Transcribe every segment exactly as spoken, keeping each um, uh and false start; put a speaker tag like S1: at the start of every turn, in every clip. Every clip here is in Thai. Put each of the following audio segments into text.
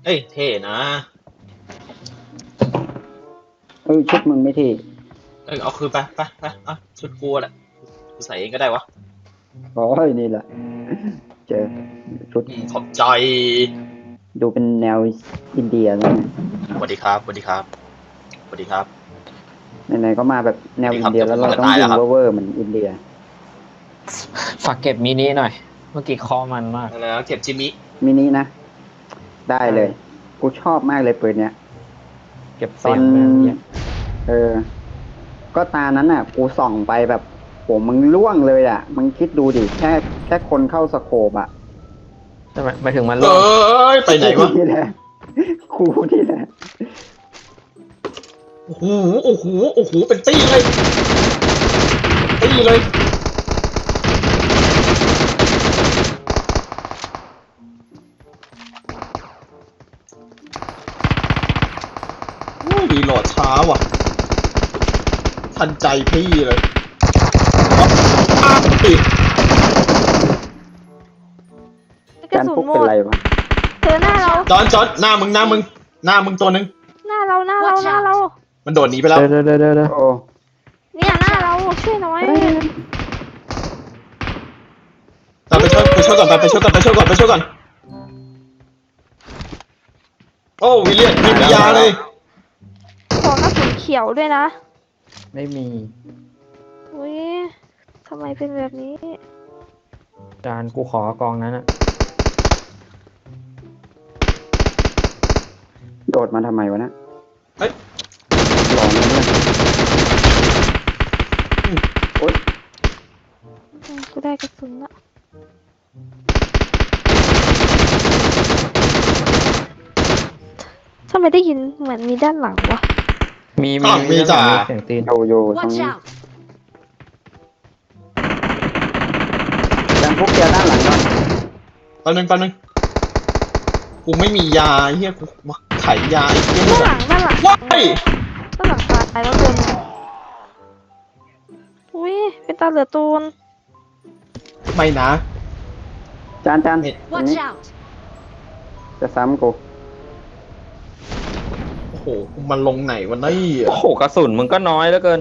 S1: เอ้ยเท่นะ
S2: เอ้ยชุดมึงไม่เท่
S1: เอ้ยเอาคืนไปไปไปเอาชุดกูแหละกูใส่เองก็ได้วะ
S2: โอ้ยนี่แหละเจอชุด
S1: อืมขอบใจ
S2: ดูเป็นแนวอินเดียแล้วไง
S1: สวัสดีครับสวัสดีครับสวัสดีครับ
S2: ไหนๆก็มาแบบแนวอินเดีย
S1: สวัสดีครับ
S2: แล้วเราต้องยิงเวอร์ๆเหมือนอินเดีย
S3: ฝากเก็บมินิหน่อย เมื่อกี้คอมันมาก
S1: อะไรนะเก็บจิมิ
S2: มินินะ ได้เลย กูชอบมากเลยปืนเนี้ย
S3: เก็บ
S2: ตอ
S3: เสีย
S2: น
S3: งแม่งเยอะ
S2: เออ ก็ตานั้นอ่ะ กูส่องไปแบบโหมึงล่วงเลยอ่ะ มึงคิดดูดิ แค่แค่คนเข้าสโคปอ่ะ
S3: ใช่ไหมไปถึงมัน
S1: เอ
S3: ล่วง้
S1: ยไปไหนวะ
S2: นี่แหละกูนี่แหละ
S1: โอ้โหโอ้โหโอ้โหเป็นตี้เลยตี้เลยโอ้ยรีโหลดช้าว่ะทันใจพี่เลยอ้าวปิด
S4: กระ
S2: การ
S4: สุน
S2: พก
S4: หม
S2: เป็น
S4: ด
S2: ไรวะ
S4: เจอหน้าเรา
S1: จอนจอนหน้ามึงหน้ามึงหน้ามึงตัวนึง
S4: หน้าเราหน้าเราหน้าเรา
S1: มันโดดหนีไปแล้ว
S3: เดี๋ยวเดี๋ยวเดี๋ยวเดี๋ยว
S2: โอ้
S4: เนี่ยหน้าเราช่วยหน่อย
S1: ตามไปช่วยไปช่วยก่อนไปช่วยก่อนไปช่วยก่อนไปช่วยก่อนโอ้วิลเลียนมียาเลย
S4: ขอกระสุนเขียวด้วยนะ
S3: ไม่มี
S4: อุ้ยทำไมเป็นแบบนี้
S3: จานกูขอกองนั้นอะ
S2: โดดมาทำไมวะนะ
S1: เฮ้ย
S2: หลอนเลยเนี่ยโอ๊ย
S4: อืมกูได้กระสุนละทำไมได้ยินเหมือนมีด้านหลังวะ
S3: มีมี
S1: อ้าวมีจ่า
S3: เสียงตีน
S2: โยโย่ตรง
S5: Watch
S2: นี้
S5: out!
S2: การพกเกียร์ด้านหลังก่อน
S1: แป๊บนึงแป๊บนึงกูไม่มียาไอ้เฮียกูมาไขยาไอ้เฮีย
S4: ด้านหลังด้านหลัง
S1: ว้าย
S4: ด้านหลังตายแล้วตัวหนึงอุ้ยเป็นตาเหลือตูน
S1: ไม่นะ
S2: จานจาน
S1: เม็ด
S2: ตรง
S5: Watch
S2: นี้
S5: out!
S2: จะซ้ำกู
S1: โอ้โหมันลงไหนวันนี้
S3: โอ้โหกระสุนมึงก็น้อยเหลือเกิน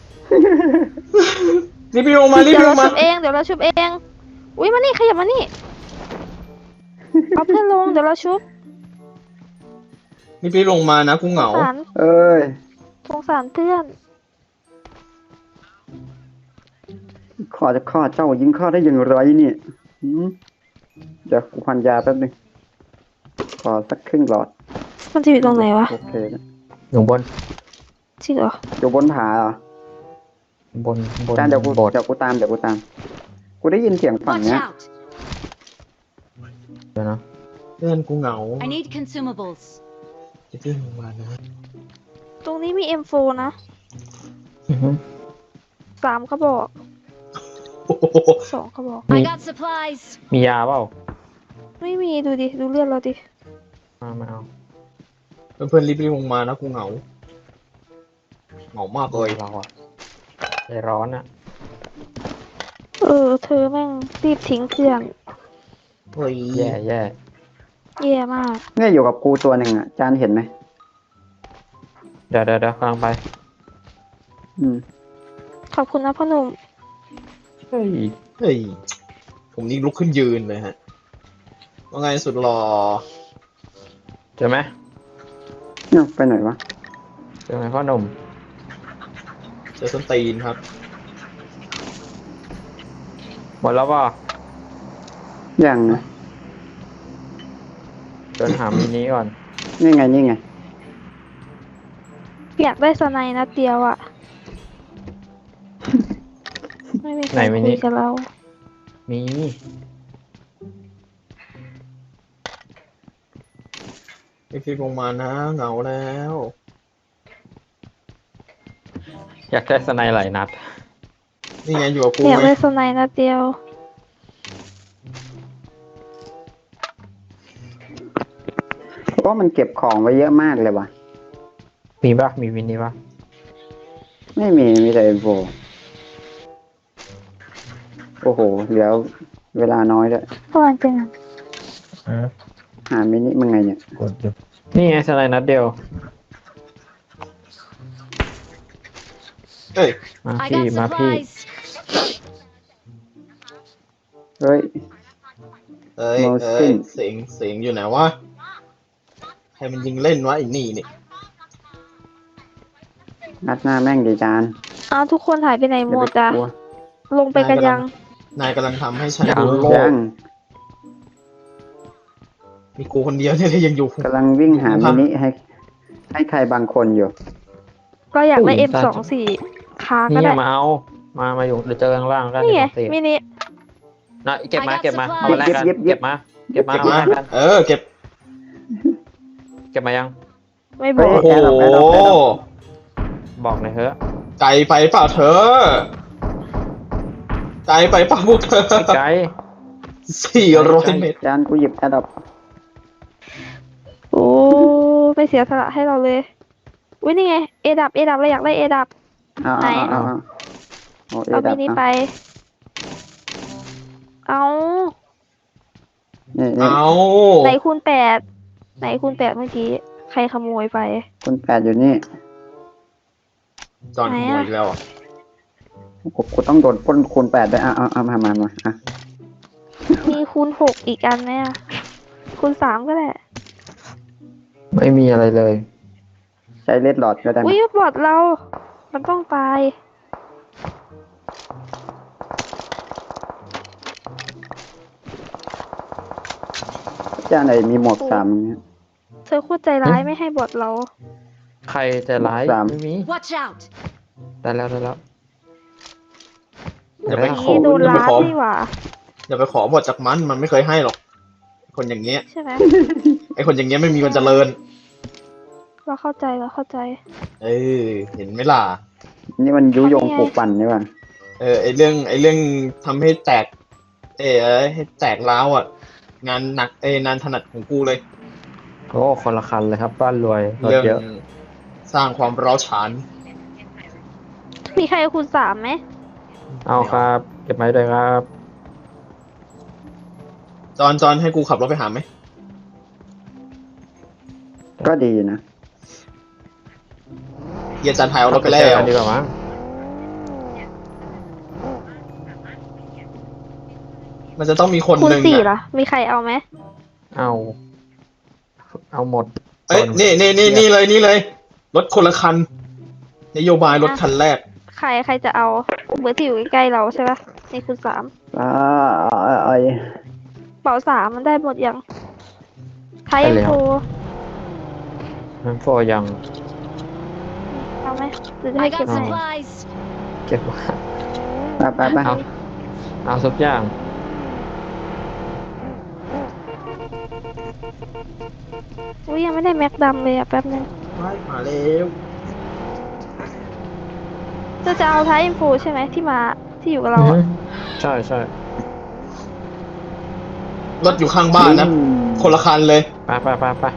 S1: รีบลงมารีบ
S4: เดี๋ยว
S1: ล
S4: เรา
S1: งมา
S4: ชุบเองเดี๋ยวเราชุบเองอุ้ยมานี่ขยับมานี่เอาเพื่อนลงเดี๋ยวเราชุบ
S1: รีบลงมานะกูเห
S4: ส
S1: งาง
S4: สาร
S2: เอ้ย
S4: สงสารเพื่อน
S2: ข้อจะข้อเจ้ายิงข้อได้อย่างไรเนี่ยหืมเดี๋ยวกูพันยาแป๊บนึงขอสักครึ่งหลอด
S4: มันจะอยู่ตรงไหนวะ
S2: โอเคนะ
S3: อยู่บน
S4: จริงเหรอ
S2: อยู่บนผาเหรอบ
S3: นบน
S2: จานเดี๋ยวกู
S3: บน
S2: เดี๋ยวกูตามเดี๋ยวกูตาม กูได้ยินเสียงฝั่ง
S5: Watch
S2: เนี้ย
S5: out!
S3: เดี๋ยวนะ
S1: เพื่อนกูเหงา
S5: I need consumables.
S1: จะขึ้นลงมานะ
S4: ตรงนี้มี เอ็ม โฟร์ นะ
S3: อือฮึ
S4: สามกระบอก
S1: โอ้โห
S4: สองกระบอก
S3: มี
S5: I got supplies.
S3: มียาเปล่า
S4: ไม่มีดูดิ ดูเลือดเราดิ
S3: มามาเอา
S1: เพื่อนๆรีบลงมานะกูเหงาเหงามากเลย
S3: เราอะใจร้อนอะ
S4: เออ เธอแม่งรีบทิ้งเพื่อน
S1: เฮ้ย
S3: แย่แย่
S4: แย่มาก
S2: เนี่ยอยู่กับกูตัวหนึ่งอ่ะ จานเห็นไหม
S3: เดี๋ยวเดี๋ยวเดี๋ยวกำลังไป
S2: อืม
S4: ขอบคุณนะพ่อหนุ่ม
S3: เฮ้ย
S1: เฮ้ยผมนี่ลุกขึ้นยืนเลยฮะว่าไงสุดหล่อ
S3: เจอไหม
S2: เนี่ยไปไหนวะ
S3: เจอไหมพ่อหนุ่ม
S1: เจอส้นตีนครับ
S3: หมดแล้วเปล่า
S2: ยังนะ
S3: เดินหามินิก่อน
S2: นี่ไงนี่ไง
S4: อยากได้สไนด์นัดเดียวอะไม่มีใครคุยกับเรา
S3: มี
S1: รีบลงมานะเหงาแล้ว
S3: อยากได้สไนด์หลายนัด
S1: นี่ไงอยู่กับกู
S4: อยาก
S1: ไง
S4: ได้สไนด์นัดเดียว
S2: เพราะมันเก็บของไว้เยอะมากเลยว่ะ
S3: มีปะมีมินิปะ
S2: ไม่มี มีแต่เอ็มโฟโอ้โห เหลือเวลาน้อยด้วย
S4: เพราะมันเป็น
S3: อืม
S2: หามินิมึงไงเนี่ย
S3: กดอยู่นี่ไงสไลด์นัดเดียว
S1: เอ้ย
S3: มา
S5: I
S3: พี่
S5: got
S3: มาพี่
S5: supplies.
S2: เฮ้ย
S1: เอ้ย
S2: โม
S1: เอ้
S2: ซิ
S1: ย
S2: น
S1: เสียงเสียงอยู่ไหนวะใครมันยิงเล่นวะไอ้นี่นี่
S2: นัดหน้าแม่งดีจาน
S4: อ้าวทุกคนหายไปไหนหมดอ่ะ
S2: อย่าไปกลัว
S4: ลงไปกันยัง
S1: นายกำลังทำให้ฉัน
S3: ยัง
S1: ดูโลก
S2: ยัง
S1: มีกูคนเดียวเนี่ยที่ยังอยู่
S2: กำลังวิ่งหามินิให้ ให้ใครบางคนอยู่
S4: ก็อยากได้
S3: อุ้ย
S4: เอ็ม สองสี่ค้างก็
S3: นี่
S4: ได้
S3: มาเอา มามาอยู่เดี๋ยวเจอข้างล่างกัน
S4: นี่ไง
S3: เดี๋ยว
S4: มินิ
S3: นะเก็บมา
S5: I got
S3: เก็บมา
S5: supplies
S3: เอามาแลกกัน
S2: เย็บเย็บ
S3: เก็บมา เก็บมา
S1: เก็บ
S3: เอา
S1: มา
S3: มาแลกกัน
S1: เออเก็บ
S3: เก็บมายัง
S4: ไม่บอก
S1: โอ้โห
S2: แอร์ดรอปแอร์ดรอปแอร์ดรอป
S3: บอกหน่อยเถอะ
S1: ไกลไปเปล่าเธอไกลไปเปล่าพวกเธอ
S3: พี่ไกด์
S1: สี่ร้อยเมตร
S2: จานกูหยิบแอร์ดรอป
S4: โอ้ไม่เสียสละให้เราเลยอุ้ยนี่ไงเอดับเอดับเราอยากได้เอดับ
S2: เอา
S4: ไหน
S2: เอาเอาเอาเอาเอ
S4: เอา
S2: ดั
S4: มิ
S2: บ
S4: นิ
S2: เอา
S4: ไป เอา
S2: นี่นี่
S1: เอา
S4: ไหนคูณแปดไหนคูณแปดเมื่อกี้ใครขโมยไป
S2: คุณแปดอยู่นี่
S1: จอนขโมยอีกแล้วอ่ะ
S2: กูกูต้องโดนปล้นคูณแปดด้วยอ่ะเอาเอามามามาอ่ะ
S4: มีคูณหกอีกอันไหมอะคูณสามก็ได้
S3: ไม่มีอะไรเลย
S2: ใช้เลดหลอดก็ได้
S4: อุ้ย
S2: นะ
S4: บอดเรา มันต้องตาย
S2: จานไหนมีหมวกสามอย่างเงี้ย
S4: เธอโคตรใจร้ายไม่ให้บอดเรา
S3: ใครจะร้าย
S2: สาม
S3: ไม่มี
S5: Watch out.
S3: ได้แล้วได้แล้ว
S1: อย่าไป
S4: เมื่อ
S1: ขอ
S4: กี้โดน
S1: อย่าไป
S4: ล้า
S1: ขอ
S4: นี่หว่า
S1: อย่าไปขอบทจากมันมันไม่เคยให้หรอก คนอย่างเงี้ย
S4: ใช่ไหม
S1: ไอคนอย่างเงี้ยไม่มีวันเจริญ
S4: เราเข้าใจเราเข้าใจ
S1: เออเห็นไหมล่ะ
S2: นี่มันยุยง
S4: ทำยังไง
S2: ปลูกปั่นนี่หว่า
S1: เออไอเรื่องไอเรื่องทำให้แตก เออให้แตกร้าวอ่ะ งานหนักเอยงานถนัดของกูเลย
S3: โอ้คนละคันเลยครับ บ้านรวยรถ
S1: เรื่อง
S3: เยอะ
S1: สร้างความร้าวฉาน
S4: มีใครเอาคูณสามไหม
S3: เอาครับ เก็บไม้ด้วยครับ
S1: จอนจอนให้กูขับรถไปหาไหม
S2: ก็ดีนะ
S1: เยียจันทายเอารถไปแล้
S3: เจอ
S1: ว
S3: กันดีกว่ามั้ง
S1: มันจะต้องมีคน
S4: คูณ
S1: หนึ่ง
S4: สี่
S1: อะ
S4: ล่ะ มีใครเอาไหม
S3: เอา เอาหมด
S1: เอ้ย
S3: คน
S1: นี่นี่นี่นี่เลยนี่เลย รถคนละคัน นโยบายรถคันแรก
S4: ใครใครจะเอาเบอร์ที่อยู่ใกล้ๆเราใช่ปะนี่คูณสาม
S2: อ่าไอ้
S4: เป๋าสามมันได้หมดยังไทย
S3: ได้แล้ว
S4: โฟ
S3: น้ำโฟยัง
S4: เอาไหมหรือจะให้
S5: I
S4: เก็บ
S5: got
S4: ให้
S5: supplies.
S3: เก็บไว้
S2: ไปไปไป
S3: เอา เอาทุกอย่าง
S4: อุ้ยยังไม่ได้แม็กดำเลยอ่ะแป๊บนึง
S1: มาแล้ว
S4: เธอจะเอาไทยโฟใช่ไหมที่มาที่อยู่กับเรา
S3: อือ
S4: อะ
S3: ฮึใช่ใช่
S1: รถอยู่ข้างบ้านนะ คนละคันเลย
S3: ไปไปไปไป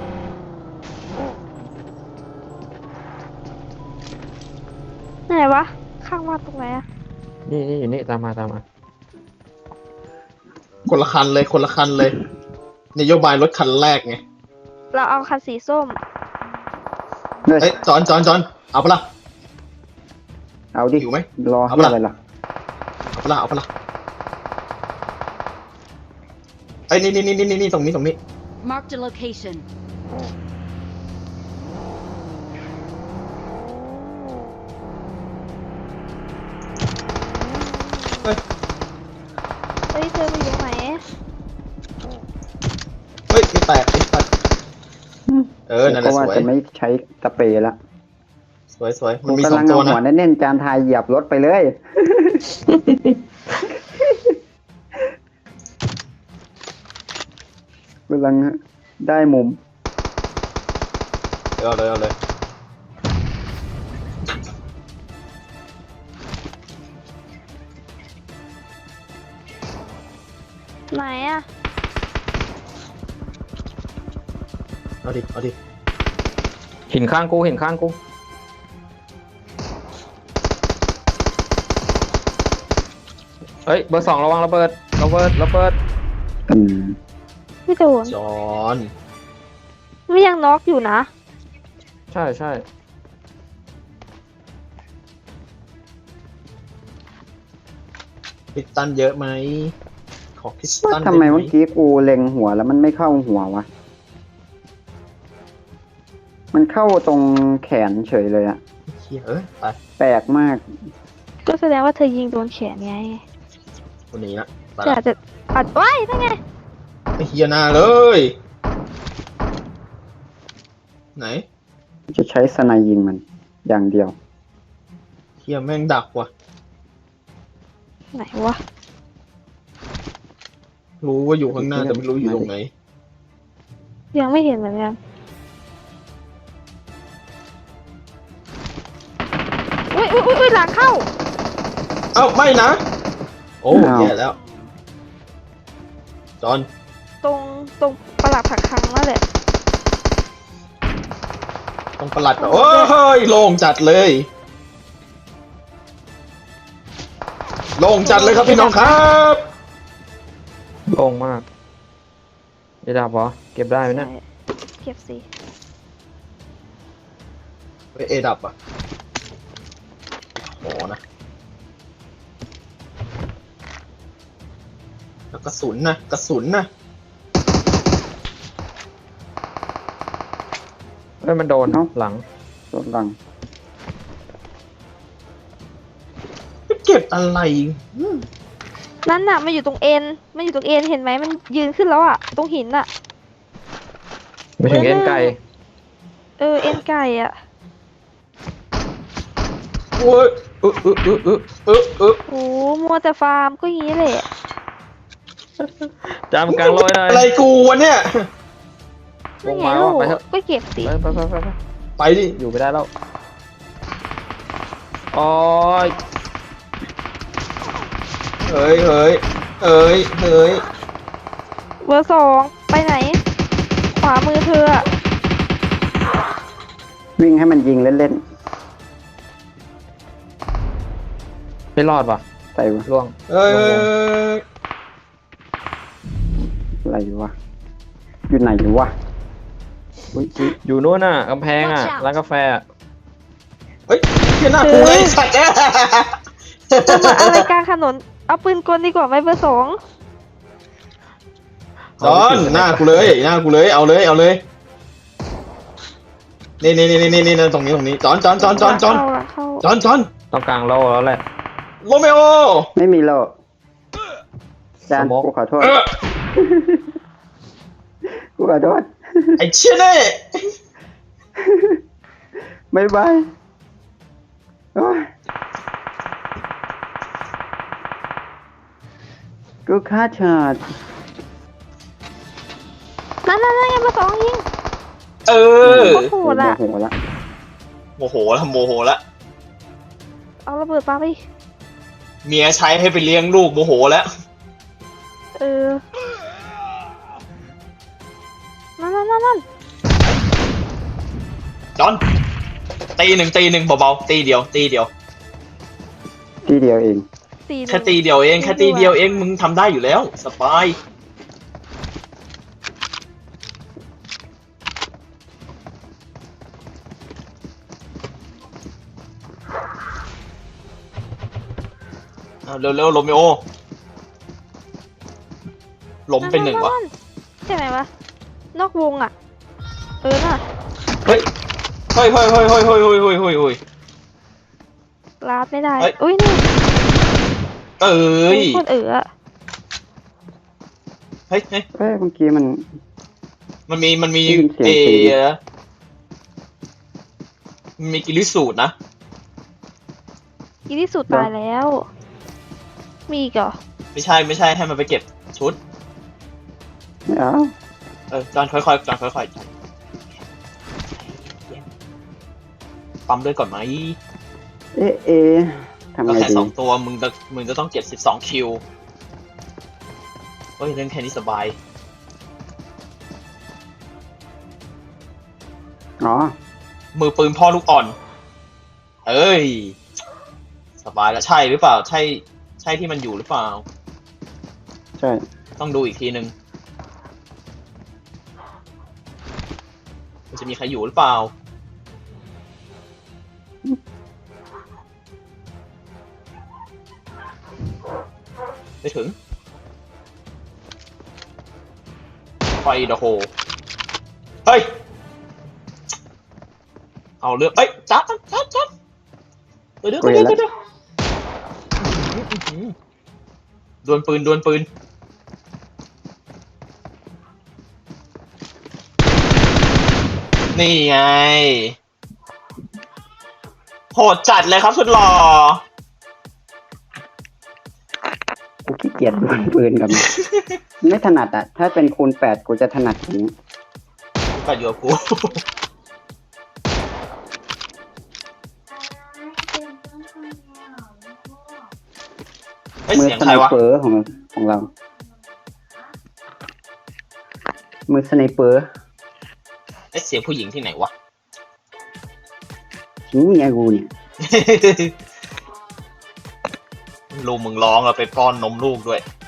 S4: ไหนวะ ข้างบ้านตรงไหนอะ
S3: นี่นี่อยู่นี่ตามมาตามมา
S1: คนละคันเลย คนละคันเลย นโยบายรถคันแรกไง
S4: เราเอาคันสีส้ม
S2: เฮ้ย
S1: เอ้ยจอนจอนจอนเอาปะล่ะ
S2: เอาดิ
S1: หิวไหม
S2: รอ
S1: เอา
S2: เฮีย
S1: ปะล่ะ
S2: อะไรล่ะ
S1: เอาปะล่ะเอาปะล่ะไอ้ยนี่นี่นี่นี่นี่ตรงนี้ตรงนี้
S5: Marked a location.
S4: เฮ้ยเธอมาอยู่ไหน
S1: เฮ้ยไม่แตกไม่แตกเออ นั่นแห
S2: ก็
S1: ละส
S2: ว่า
S1: วย
S2: จะไม่ใช้สเปรย์ละ
S1: สวยสวยมั
S2: กู
S1: นมีส
S2: กำ
S1: อ
S2: ลั
S1: ง
S2: ง
S1: ตั
S2: เอา
S1: วนะ
S2: หัวแน่นๆจานทายเหยียบรถไปเลย กำลังได้มุม
S1: เอาเลยเอาเลย
S4: ไหนอะ
S1: เอาดิเอาดิ
S3: หินข้างกูหินข้างกู เฮ้ย เบอร์สองระวังระเบิดระเบิดระเบิด
S2: อืม
S4: ไม่โดน
S1: จอน
S4: ไม่ยังน็อกอยู่นะ
S3: ใช่ใช่
S1: พิสตันเยอะไหมขอพิส
S2: ว่า
S1: ตัน
S2: ทำไม
S1: ด้ห
S2: เมื่อกี้กูเล็งหัวแล้วมันไม่เข้าหัววะ มันเข้าตรงแขนเฉยเลยอะ
S1: เฮียเอ้ยไป
S2: แปลกมาก
S4: ก็แสดงว่าเธอยิงโดนแขนไง
S1: คนนี้นะไป
S4: แต่
S1: ละ
S4: อาจจะอัดไว้นั่นไง
S1: ไอ้เฮียหน้าเลย ไหน
S2: จะใช้สไนยิงมัน อย่างเดียว
S1: เฮียแม่งดักว่ะ
S4: ไหนวะ
S1: รู้ว่าอยู่ข้างหน้าแต่ไม่รู้อยู่ตรงไหน
S4: ยังไม่เห็นเหมือนกันอุ้ยอุ้ยอุ้ยหลังเข้า
S1: เอ้าไม่นะ โอ้
S2: อ้าว
S1: แย่แล้ว จอน
S4: ตรงตรงประหลัดผักคังนั่นแหละ
S1: ต้องประหลัดแบบโอ้ยโล่งจัดเลย โล่งจัดเลยครับพี่น้องครับ
S3: โล่งมากเอดับเหรอเก็บได้ไหมเนี่ย
S4: ใช่เก็บสิ
S1: เฮ้ยเอดับอ่ะโหนะ แล้วกระสุนนะกระสุนนะ
S3: เอ้ยมันโดน
S2: เอ้า
S3: หลัง
S2: รถลัง
S1: ไปเก็บอะไรอืม
S4: นั่นน่ะมันอยู่ตรงเอ็นมันอยู่ตรงเอ็นเห็นไหมมันยืนขึ้นแล้วอ่ะตรงหินอ่ะ
S3: ไม่ถึงเอ็นไก่
S4: เออเอ็นไก่อ่ะ
S1: โอ้ยเออเออเออเออเออเออ
S4: โอ้มัวแต่ฟาร์มก็อย่างนี้แหละ
S3: จามกลางลอยเลย
S1: อะไรกูวะเนี่ย
S3: ว
S4: นั่น
S3: ง
S4: ไง
S3: มา
S4: ลู
S3: ว่ะ
S4: ก
S3: ไปเถอะ
S4: ก็เก็บสิ
S3: ไปไปไปไปไป
S1: ไปดิ
S3: อยู่ไม่ได้แล้วโอ้ย
S1: เฮ้ยเฮ้ยเฮ้ยเฮ้ย
S4: เบอร์สองไปไหน ขวามือเธออะ
S2: วิ่งให้มันยิงเล่น
S3: ไม่รอดว่ะ
S2: ๆ ใส่วะ
S3: ล่วง
S1: เฮ้ย
S3: ล่วง
S2: อะไรวะ อยู่ไหนวะอุ๊ยอุ๊ย
S3: อยู่นู้นน่ะกำแพงอ่ะ
S5: Watch out
S3: ร้านกาแฟอะ
S1: เฮ้ยเฮียหน้ากูเลยสัตว์
S4: จะมาอะไรกลางถนน เอาปืนกลดีกว่าไหมเบอร์สอง
S1: จอนหน้ากูเลยหน้ากูเลยเอาเลยเอาเลยนี่นี่นี่นี่นี่ตรงนี้ตรงนี้จอนจอนจอนจอนจอน
S4: เข้าหลังเข้า
S1: จอนจอน
S3: ต้องกลางโลแล้วแหละ
S1: โรเมโอ
S2: ไม่มีโลจาน
S3: สโมก
S2: กูขอโทษ
S1: เออ
S2: กูขอโทษ
S1: ไอ้เชี่ยเน่
S2: บายบายโอ้ยกูฆ่าชาด
S4: นั่นนั่นนั่นไงเบอร์สองยิง
S1: เออ
S4: โอ้โหละ
S2: โมโหละ
S1: โมโหแล้วโมโหแล้ว
S4: เอาระเบิดปาไป
S1: เมียใช้ให้ไปเลี้ยงลูกโมโหแล้ว
S4: เออ นั่นนั่นนั่นนั่น
S1: จอนตีหนึ่งตีหนึ่งเบาๆตีเดียว ตีเดียว
S2: ที่เดียวเอง
S4: สี่หนึ่ง
S1: แค่ตีเดียวเองแค่ตีเดียวเองมึงทำได้อยู่แล้วสบายเอาเร็วๆโรเมโอล้มเป็นหนึ่งวะ
S4: ใช่ไหมวะ นอกวงอ่ะ เออน่ะ
S1: เฮ้ยเฮ้ยเฮ้ยเฮ้ยเฮ้ยเฮ้ยเฮ้ยเฮ้ยเฮ้ยเฮ้ย
S4: ลาดไม่ได้
S1: เอ้ย
S4: อุ้ยนี่
S1: เอ้ย
S4: คนเอ๋ออะ
S1: เฮ้ยเฮ้ย
S2: เอ้ยเมื่อกี้มัน
S1: มันมีมันมี
S2: ได้ยินเสียง
S1: เอ
S2: ตี
S1: มันมีกิริสูตรนะ
S4: อีที่สุดตายแล้ว มีอีกเหรอ
S1: ไม่ใช่ไม่ใช่ให้มันไปเก็บชุด
S2: ไม่เอา
S1: เออจอนค่อยๆจอนค่อยๆจอนปั๊มเลือดก่อนไหม
S2: เอ๊ะเอะทำ
S1: ก็
S2: ไง
S1: แค่
S2: ดี
S1: สองตัวมึงจะมึงจะต้องเก็บสิบสองคิวเฮ้ยเล่นแค่นี้สบาย
S2: อ๋อ
S1: มือปืนพ่อลูกอ่อน เอ้ย สบายแล้วใช่หรือเปล่า ใช่ ใช่ที่มันอยู่หรือเปล่า
S2: ใช่
S1: ต้องดูอีกทีนึงมันจะมีใครอยู่หรือเปล่าไม่ถึงไฟเดอะโฮเฮ้ยเอาเรื่องเอ้ยจับจับจับเดี๋ยวเดี๋ยวเดี๋ยวเดี๋ยวดวลปืนดวลปืนนี่ไงโหดจัดเลยครับสุดหล่อ
S2: กูขี้เกียจดวลปืนกับมัน ไม่ถนัดอ่ะ ถ้าเป็นคูณแปดกูจะถนัดอย่างนี้
S1: ก็อยู่กับกูไอ้ย
S2: มือ
S1: เสียง
S2: ส
S1: ใคร
S2: ไน
S1: วะ
S2: เปอร์ของของเรา มือสไนเปอร์
S1: ไอ้เสียงผู้หญิงที่ไหนวะ
S2: นี่เมียกูเนี่ย
S1: ลูกมึงร้องเราไปป้อนนมลูกด้วย